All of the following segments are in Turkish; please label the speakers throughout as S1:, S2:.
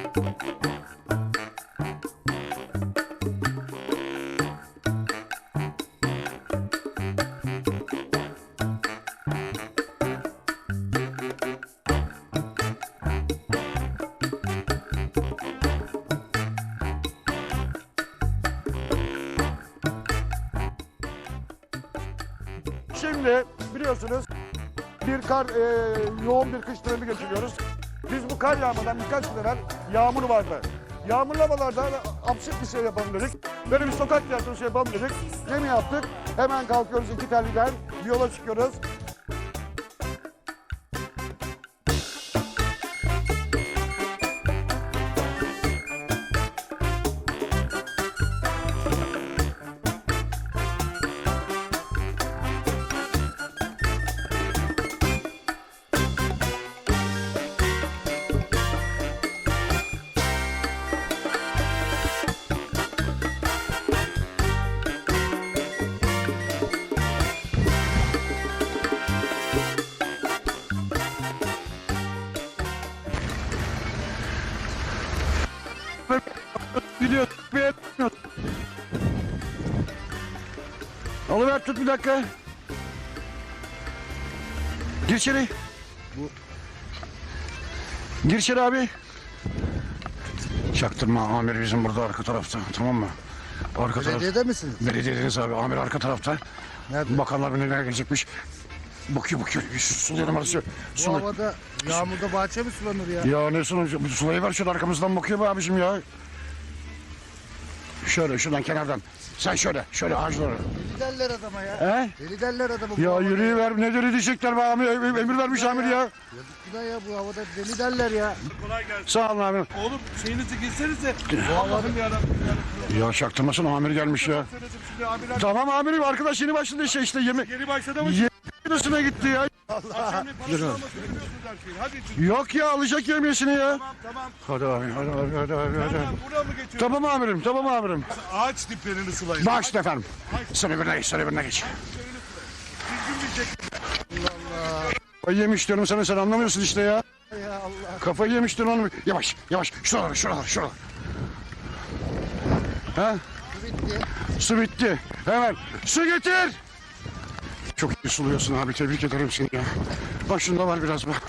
S1: Şimdi biliyorsunuz yoğun bir kış dönemi geçiriyoruz. Biz bu kar yağmadan birkaç gün evvel yağmur vardı. Yağmurlu havalarda absürt bir şey yapalım dedik. Böyle bir sokak tiyatrosu yapalım dedik. Gemi yaptık. Hemen kalkıyoruz iki terliden. Yola çıkıyoruz. Gidiyor. Alıver tut bir dakika. Gir içeri. Gir içeri abi. Çaktırma, amir bizim burada arka tarafta, tamam mı? Arka
S2: Belediyede misiniz?
S1: Belediyedeyiz abi, amir arka tarafta.
S2: Nerede?
S1: Bakanlar neler gelecekmiş. Bakıyor. Suluyor numarası.
S2: Bu havada yağmurda bahçe mi sulanır ya?
S1: Ya ne sunucu? Sulayı ver şöyle, arkamızdan bakıyor be abicim ya. Şöyle şuradan kenardan. Sen şöyle ağaçlara.
S2: Deli derler adama ya.
S1: He?
S2: Deli derler adama.
S1: Ya yürüyüver, ne deli diyecekler be amir, emir vermiş amir ya.
S2: Yazık günah ya, bu havada deli derler ya.
S3: Kolay gelsin.
S1: Sağ olun abim.
S3: Oğlum şeyinizi girsenize. Allah'ım yarabbim.
S1: Ya çaktırmasın, amir gelmiş ya.
S3: Söyledim şimdi abiler.
S1: Tamam amirim, arkadaş yeni başladı işte yemek.
S3: Geri başladı mı?
S1: Yemeğine gitti ya.
S3: Şimdi parasını almasını biliyorsunuz her şeyi. Hadi çık.
S1: Yok ya, alacak yemesini ya.
S3: Tamam.
S1: Hadi abi.
S3: Tamam buraya mı geçiyorsun?
S1: Tamam amirim.
S3: Ağaç diplerini sulayın.
S1: Başla efendim. Sen öbürüne geç.
S3: Düzgün bir şekilde.
S1: Kafayı yemiş diyorum sana, sen anlamıyorsun işte ya.
S2: Ya Allah.
S1: Kafayı yemiş diyorum onu. Yavaş. Şuralar. Ha?
S2: Su bitti.
S1: Su bitti. Hemen su getir. Çok iyi suluyorsun abi, tebrik ederim seni ya. Bak şunda var biraz bak.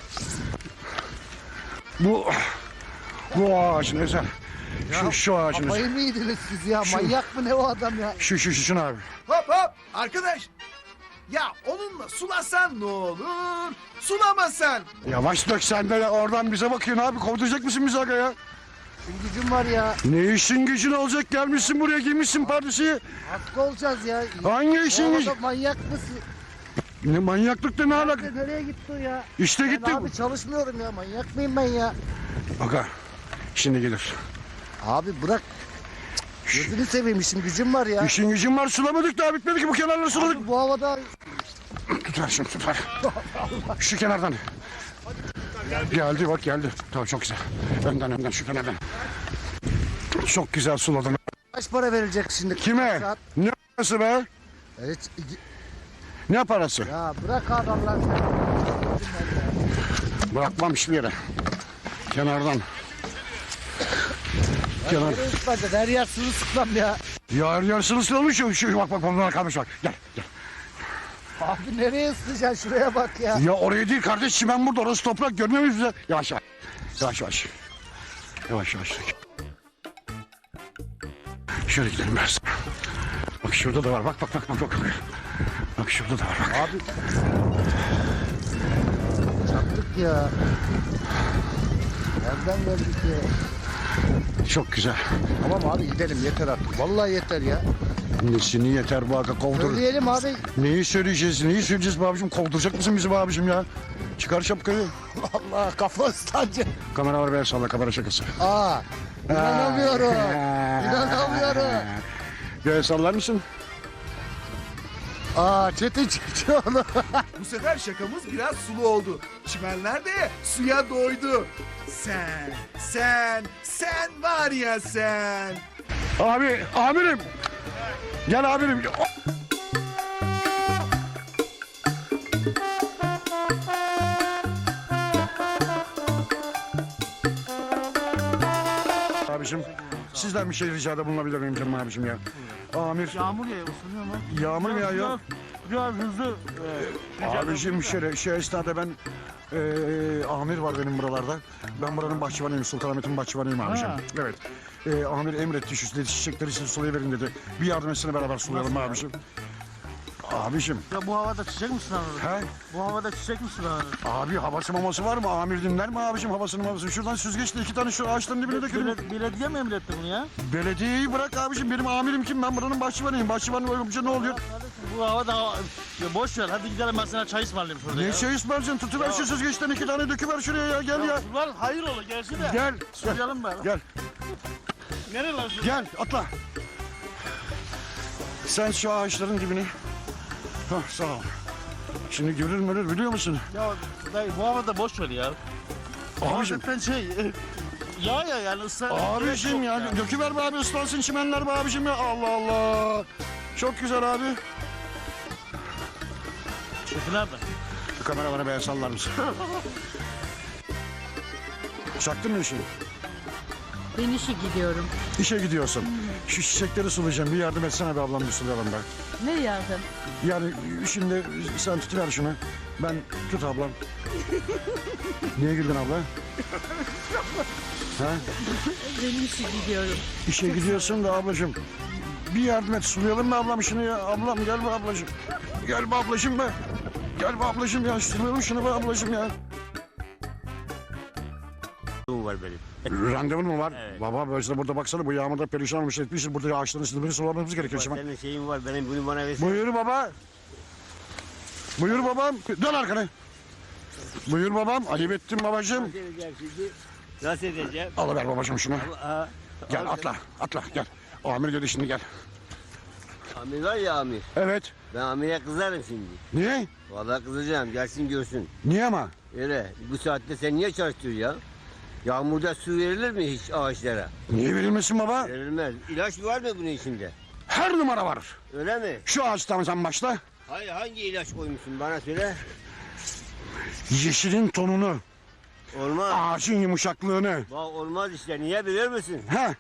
S1: Bu ağacın özel. Şu ağacın özel.
S2: Kafayı mı yediniz siz ya? Manyak mı ne o adam ya?
S1: Şunu abi.
S4: Hop arkadaş. Ya onunla sulasan ne olur? Sulamasan.
S1: Yavaş dök sen de, oradan bize bakıyorsun abi. Kovduracak mısın bizi aga ya?
S2: Şimdi gücüm var ya.
S1: Ne işin gücün olacak, gelmişsin buraya, giymişsin pardesiyi.
S2: Hasta olacağız ya.
S1: Hangi
S2: O
S1: işin
S2: havada
S1: gücün?
S2: manyak mısın?
S1: Ne manyaklıkla ne alaka?
S2: Nereye gitti o ya?
S1: İşte
S2: Ben
S1: gitti.
S2: abi çalışmıyorum ya. Manyak mıyım ben ya?
S1: Aga şimdi gelir.
S2: Abi bırak. Gözünü seveyim, işim gücüm var ya.
S1: İşin gücün var, sulamadık daha, bitmedi ki bu kenarları suladık.
S2: Abi bu havada
S1: Tut ver. Şu kenardan. Geldi bak geldi. Tamam çok güzel. Önden şu kenardan. Çok güzel suladın.
S2: kaç para verilecek şimdi?
S1: Kime?
S2: Saat-
S1: Ne parası be?
S2: Evet.
S1: Ne parası?
S2: Ya bırak adamlar sen.
S1: Bırakmam hiçbir yere. Kenardan. Kenar.
S2: Nereye ıslanacak? Her yer sırılsıklam ya.
S1: Yarısını sulamış şu bak bunlar kalmış bak. Gel.
S2: Abi nereye ıslayacaksın? Şuraya bak ya.
S1: Ya oraya değil kardeş, çimen burada, orası toprak, görmüyor muyuz bize? Yavaş. Şöyle gidelim biraz. Bak şurada da var, bak. Bak şurada da var bak.
S2: Abi. Çattık ya. Nereden geldik ya?
S1: Çok güzel.
S2: Tamam abi gidelim, yeter artık. Vallahi yeter ya.
S1: Nesini yeter bu aga, kovdur.
S2: Söyleyelim abi.
S1: Neyi söyleyeceğiz be abicim? Kovduracak mısın bizi be abicim ya? Çıkar şapkayı.
S2: Allah kafa ıslanacak.
S1: Kamera var be, salla, kamera şakası.
S2: İnanamıyorum. İnanamıyorum.
S1: Göğe sallar mısın?
S2: Çetin Çiçoğlu.
S4: Bu sefer şakamız biraz sulu oldu. Çimenler de suya doydu. Sen var ya sen.
S1: Abi, amirim. Gel amirim. abicim. Sizden bir şey ricada bulunabilir miyim canım abicim ya? Amir.
S5: Yağmur yağıyor, ısınıyor mu?
S1: Yağmur mu yağıyor?
S5: Biraz hızlı.
S1: Abicim şu esnada ben amir var benim buralarda. Ben buranın bahçıvanıyım. Sultanahmet'in bahçıvanıyım abicim.
S5: Ha.
S1: Evet. Amir emretti şu dedi, çiçekleri siz sulayıverin dedi. Bir yardım etsene beraber sulayalım abicim. Abicim.
S5: Ya bu havada çiçek mi sulanır?
S1: He?
S5: Bu havada çiçek mi sulanır?
S1: Abi havası maması var mı? Amir dinler mi abicim havasını mamasını? Şuradan süzgeçle 2 tane şu ağaçların dibine dökülür.
S5: Belediye mi emretti bunu ya?
S1: Belediyeyi bırak abicim. Benim amirim kim? Ben buranın bahçıvanıyım. Bahçıvan olunca ne oluyor?
S5: Kardeşim bu havada ya boş ver, hadi gidelim, ben sana çay ısmarlayayım şurada
S1: Ne
S5: ya.
S1: şey ısmarlayacaksın? Tutuver şu süzgeçten 2 tane döküver şuraya ya. Gel ya.
S5: Var hayır olur, gelsin de.
S1: Gel.
S5: Sulayalım bari.
S1: Gel.
S5: Nereye lan şu?
S1: Gel atla. Sen şu ağaçların dibine. Hah sağ ol. Şimdi görür biliyor musun?
S5: Ya dayı bu havada boş ver ya.
S1: Abicim.
S5: Zaten şey ya yani ısrar.
S1: Abicim ya döküver be abi ıslansın çimenler be abicim ya. Allah Allah. Çok güzel abi.
S5: Şefi nerede?
S1: Şu kameramanı be sallar mısın? Çaktın mı işi?
S6: Ben işe gidiyorum.
S1: İşe gidiyorsun. Şu çiçekleri sulayacağım. Bir yardım etsene be ablam bir sulayalım be.
S6: Ne yardım?
S1: Yani şimdi sen tutuver şunu. Ben tut ablam. Niye güldün abla? Ha?
S6: Ben işe gidiyorum.
S1: İşe gidiyorsun da ablacığım. Bir yardım et sulayalım mı ablam şunu ya? Ablam gel be ablacığım. Gel be ablacığım be. Gel be ablacığım ya sulayalım şunu be ablacığım ya.
S7: var benim.
S1: Randevun mu var?
S7: Evet.
S1: Baba böyle burada baksana bu yağmurda perişan olmuş etmişiz. Burada ağaçların üstünde sulamamız gerekiyor şimdi.
S7: Senin şeyin var benim bunu bana versin.
S1: Buyur baba. Buyur babam. Dön arkana. Buyur babam. Ayıp ettin babacığım.
S7: Nasıl edeceğim şimdi? Nasıl edeceğim?
S1: Alıver babacığım şunu.
S7: Aa,
S1: Gel atla gel. Amir dedi şimdi gel.
S7: Amir var ya amir.
S1: Evet.
S7: Ben amire kızarım şimdi.
S1: Niye?
S7: Vallahi kızacağım gelsin görsün.
S1: Niye ama?
S7: Öyle bu saatte sen niye çalıştırıyorsun ya? Yağmurda su verilir mi hiç ağaçlara?
S1: Niye verilmesin baba?
S7: Verilmez. İlaç var mı bunun içinde?
S1: Her numara var.
S7: Öyle mi?
S1: Şu ağaçtan sen başla.
S7: Hayır hangi ilaç koymuşsun bana söyle.
S1: Yeşilin tonunu,
S7: Olmaz.
S1: ağacın yumuşaklığını.
S7: Bak olmaz işte niye bilir misin?
S1: Ha?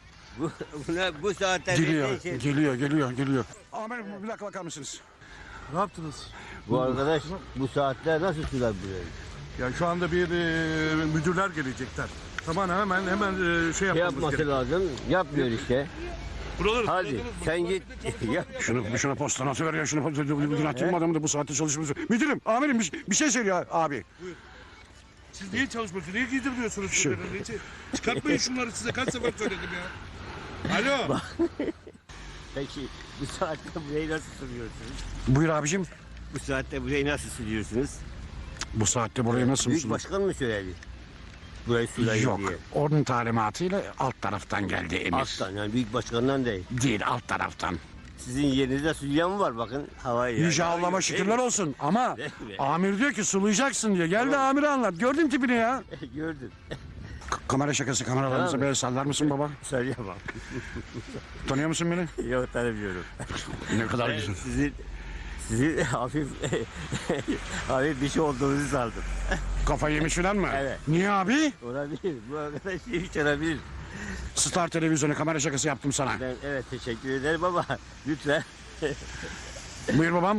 S7: Bu saatte
S1: Geliyor,
S7: bir şey-
S1: geliyor. Amir bir dakika bakar mısınız?
S5: Ne yaptınız?
S7: Bu arkadaş bu saatte nasıl sular burayı?
S3: Ya şu anda bir müdürler gelecekler. Tamam hemen şey
S7: Şey
S3: yapmamız
S7: yapması
S3: gerekiyor.
S7: lazım. Yapmıyor işte.
S3: Buraları
S7: Hadi sen git. Yap.
S1: Şuna postana atıver ya. Şuna postana atayım adamı da bu saatte çalışmıyoruz. Müdürüm, amirim bir şey söylüyor abi.
S3: Siz niye çalışmıyorsunuz? Niye giydiriyorsunuz şunları? Çıkartmayın şunları size kaç sefer söyledim ya. Alo.
S7: Peki bu saatte burayı nasıl sürüyorsunuz?
S1: Buyur abicim.
S7: Bu saatte burayı nasıl sürüyorsunuz?
S1: Bu saatte burayı nasıl
S7: Büyük
S1: mısın?
S7: başkan mı söyledi? Burayı sulayın
S1: Yok.
S7: diye.
S1: Onun talimatıyla alt taraftan geldi emir.
S7: Alttan yani büyük başkandan değil.
S1: Değil alt taraftan.
S7: Sizin yerinizde sulayan mı var bakın havayı.
S1: Yüce Allah'ıma şükürler olsun ama amir diyor ki sulayacaksın diyor. Gel de amiri anlat. Gördün tipini ya.
S7: Gördün.
S1: Kamera şakası kameralarınıza
S7: Tamam.
S1: böyle sallar mısın baba?
S7: Söyleyemem.
S1: Tanıyor musun beni?
S7: Yok tanımıyorum.
S1: Ne kadar
S7: Ben
S1: güzel.
S7: sizin hafif hafif bir şey olduğunuzu sandım.
S1: Kafayı yemiş falan mı?
S7: Evet.
S1: Niye abi?
S7: Olabilir. Bu arkadaş hiç olabilir.
S1: Star televizyonu kamera şakası yaptım sana.
S7: Ben evet teşekkür ederim ama lütfen
S1: Buyur babam.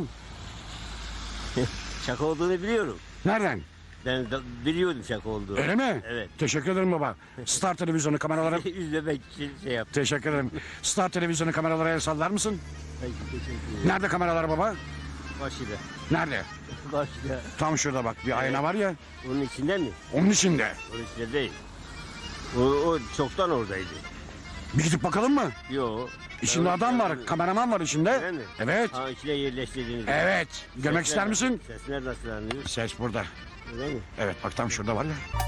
S7: şaka olduğunu biliyorum.
S1: Nereden?
S7: Ben biliyordum şaka olduğunu.
S1: Öyle mi?
S7: Evet.
S1: Teşekkür ederim baba. Star televizyonu kameraları...
S7: Üzlemek için şey yaptım.
S1: Teşekkür ederim. Star televizyonu kameralara el sallar mısın?
S7: Peki, teşekkür ederim.
S1: Nerede kameralar baba?
S7: Başıyla.
S1: Nerede?
S7: Başıyla.
S1: Tam şurada bak bir ayna var ya.
S7: Onun içinde mi?
S1: Onun içinde.
S7: Onun içinde değil. O çoktan oradaydı.
S1: Bir gidip bakalım mı?
S7: Yo.
S1: İçinde adam var, kameraman var içinde.
S7: Öyle mi?
S1: Evet.
S7: Ha içine yerleştirdiğiniz.
S1: Evet. Görmek ister misin?
S7: Sesler nasıl anlıyor?
S1: Ses burada.
S7: Öyle mi?
S1: Evet bak tam şurada var ya.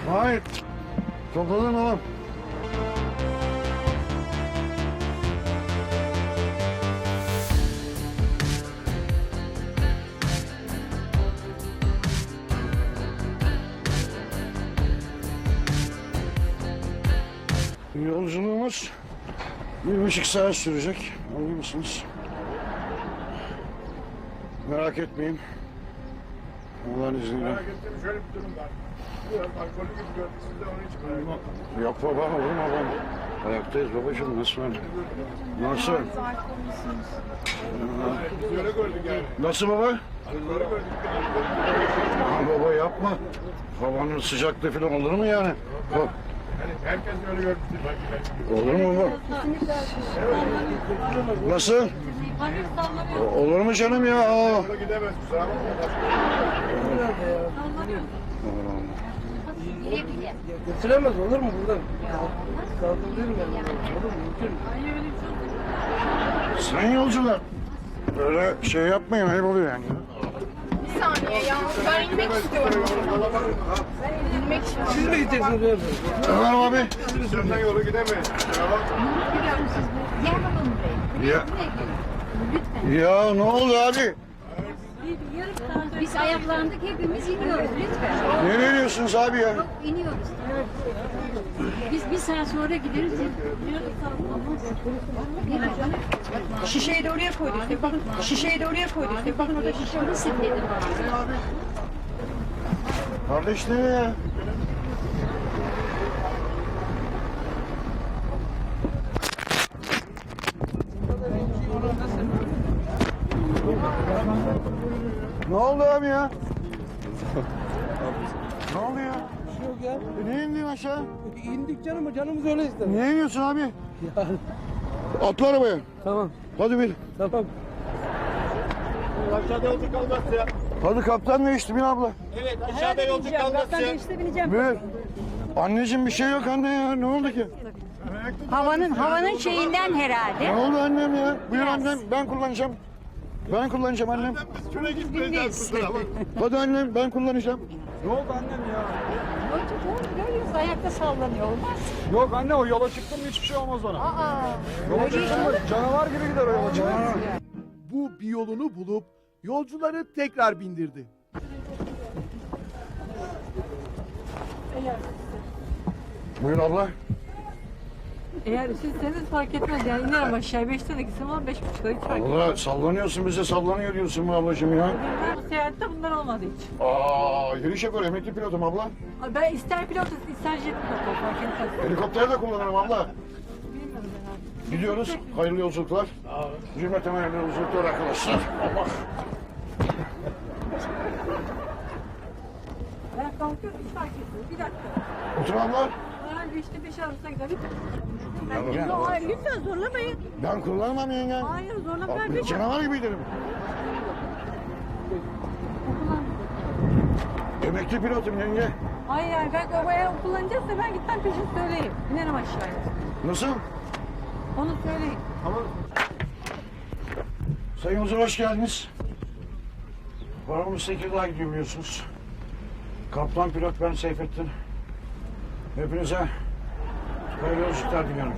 S1: Hayır. Topladın oğlum. Yolculuğumuz 1,5 saat sürecek. Anlıyor musunuz? Merak etmeyin. Allah'ın izniyle.
S3: Merak ettiğim şöyle bir durum var. Biraz alkollü gibi gördük siz de onun için merak ettim.
S1: Yok baba, olur mu babam? Ayaktayız babacığım, nasıl var? Nasıl?
S3: Biz öyle gördük yani.
S1: Nasıl baba?
S3: Alkolü gördük.
S1: Aa, baba yapma. Havanın sıcaklığı falan olur mu yani? Bak,
S3: Yani herkes öyle görmüştür belki.
S1: olur mu baba? Nasıl? Olur mu canım ya? Aa.
S3: Öyle gidemez kusura bakma.
S8: Götüremez olur mu buradan? Kaldırırım yani. Olur mu? Mümkün mü?
S1: Sayın yolcular. Öyle şey yapmayın, ayıp oluyor yani.
S9: Bir saniye ya. Ben inmek istiyorum. Ben inmek istiyorum.
S8: Siz mi gideceksiniz böyle?
S1: Ömer abi.
S3: Senden yolu gidemeyiz. Kusura bakma.
S1: Ya. Ya ne oldu abi?
S9: Biz ayaklandık hepimiz iniyoruz lütfen.
S1: Ne veriyorsunuz abi ya?
S9: Yok iniyoruz. Biz bir saat sonra gideriz.
S6: Şişeyi de oraya koyduk. Bakın şişeyi de oraya koyduk. Bakın orada şişe var.
S9: Nasıl dedim?
S1: Kardeş ne ya? Ne oldu abi ya? Ne oldu ya?
S8: Yok ya.
S1: Niye indin aşağı?
S8: İndik canım, canımız öyle ister.
S1: Niye iniyorsun abi? Atla arabaya.
S8: Tamam,
S1: Hadi bin.
S8: tamam.
S5: Aşağıda yolcu kalmaz ya.
S1: Hadi kaptan değişti bin abla.
S5: Evet aşağıda yolcu kalmaz ya.
S1: Bir. Anneciğim bir şey yok anne ya. Ne oldu ki?
S6: Havanın şeyinden herhalde.
S1: Ne oldu annem ya? Buyur annem. Ben kullanacağım. Ben kullanacağım annem.
S5: Biz şuraya gitmeyeceğiz kusura bakma.
S1: Hadi annem ben kullanacağım.
S6: Görüyoruz ayakta sallanıyor olmaz.
S5: Yok anne o yola çıktım hiçbir şey olmaz ona.
S1: Canavar gibi gider o yola çıkar.
S4: Bu bir yolunu bulup yolcuları tekrar bindirdi.
S1: Buyur abla.
S6: Eğer sizseniz fark etmez yani inerim aşağı 5'te de gitsem ama 5.30'da hiç fark etmez.
S1: Allah sallanıyorsun bize sallanıyor diyorsun bu ablacığım ya.
S6: Bu seyahatte bunlar olmadı hiç.
S1: Aa, yürüyüş yapıyor emekli pilotum abla.
S6: Ben ister pilot ister jet pilot fark etmez.
S1: Helikopter de kullanırım abla.
S6: Bilmiyorum ben abi.
S1: Gidiyoruz. Hayırlı yolculuklar. Cümleten hayırlı yolculuklar arkadaşlar. Allah.
S6: Ben kalkıyorum hiç fark etmez. Bir dakika.
S1: Otur abla.
S6: Ben işte 5 arasına gider.
S1: Ya.
S6: Hayır lütfen zorlamayın.
S1: Ben kullanmam yenge.
S6: Hayır zorlamayın. Ben
S1: Abi, canavar gibi giderim. Emekli pilotum yenge.
S6: Hayır yani ben eğer kullanacaksa ben gitmem peşin söyleyeyim. İnerim aşağıya.
S1: Nasıl?
S6: Onu söyleyin.
S1: Sayın Huzur hoş geldiniz. Paramız Tekirdağ'a gidiyor biliyorsunuz. Kaptan pilot ben Seyfettin. Hepinize hayırlı yolculuklar diliyorum.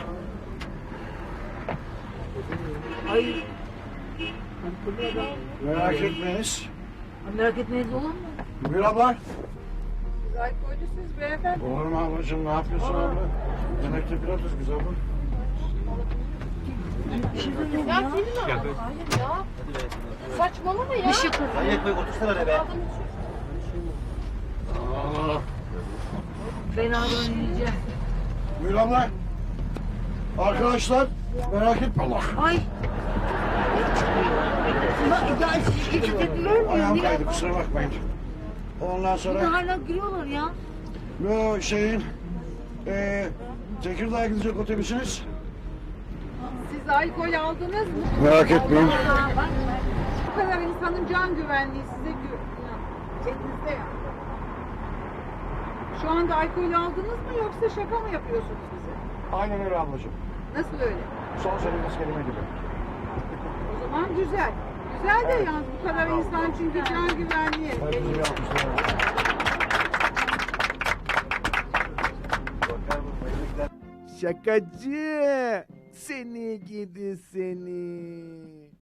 S1: Merak etmeyiniz.
S6: Merak etmeyiz olur mu?
S1: Buyur abla.
S9: Alkolüsüz beyefendi.
S1: Olur mu ablacığım ne yapıyorsun abla? Emekli pilotuz biz abla.
S9: Ya senin abi. Hayır ya. Saçmalama ya.
S5: Hayır bey otursana oraya be.
S1: Aa,
S6: Ben ağrını yiyeceğim.
S1: buyur abla. Arkadaşlar merak etme Allah.
S6: Ay. Ya etiketliler mi?
S1: Ayağım kaydı kusura bakmayın. Ondan sonra
S6: Hala giriyorlar ya.
S1: bu şeyin Tekirdağ'a gidecek otobüsünüz.
S9: Siz alkol aldınız mı?
S1: Merak etmeyin.
S9: Bu kadar insanın can güvenliği size cebinizde ya. Şu anda alkol aldınız mı yoksa şaka mı yapıyorsunuz bize?
S1: Aynen öyle ablacığım.
S9: Nasıl öyle?
S1: Son söylediğiniz kelime gibi.
S9: O zaman güzel. Güzel de yalnız bu kadar insan çünkü can güvenliği.
S1: Hepinize bir alkışlar.
S4: Şakacı. Seni gidi seni.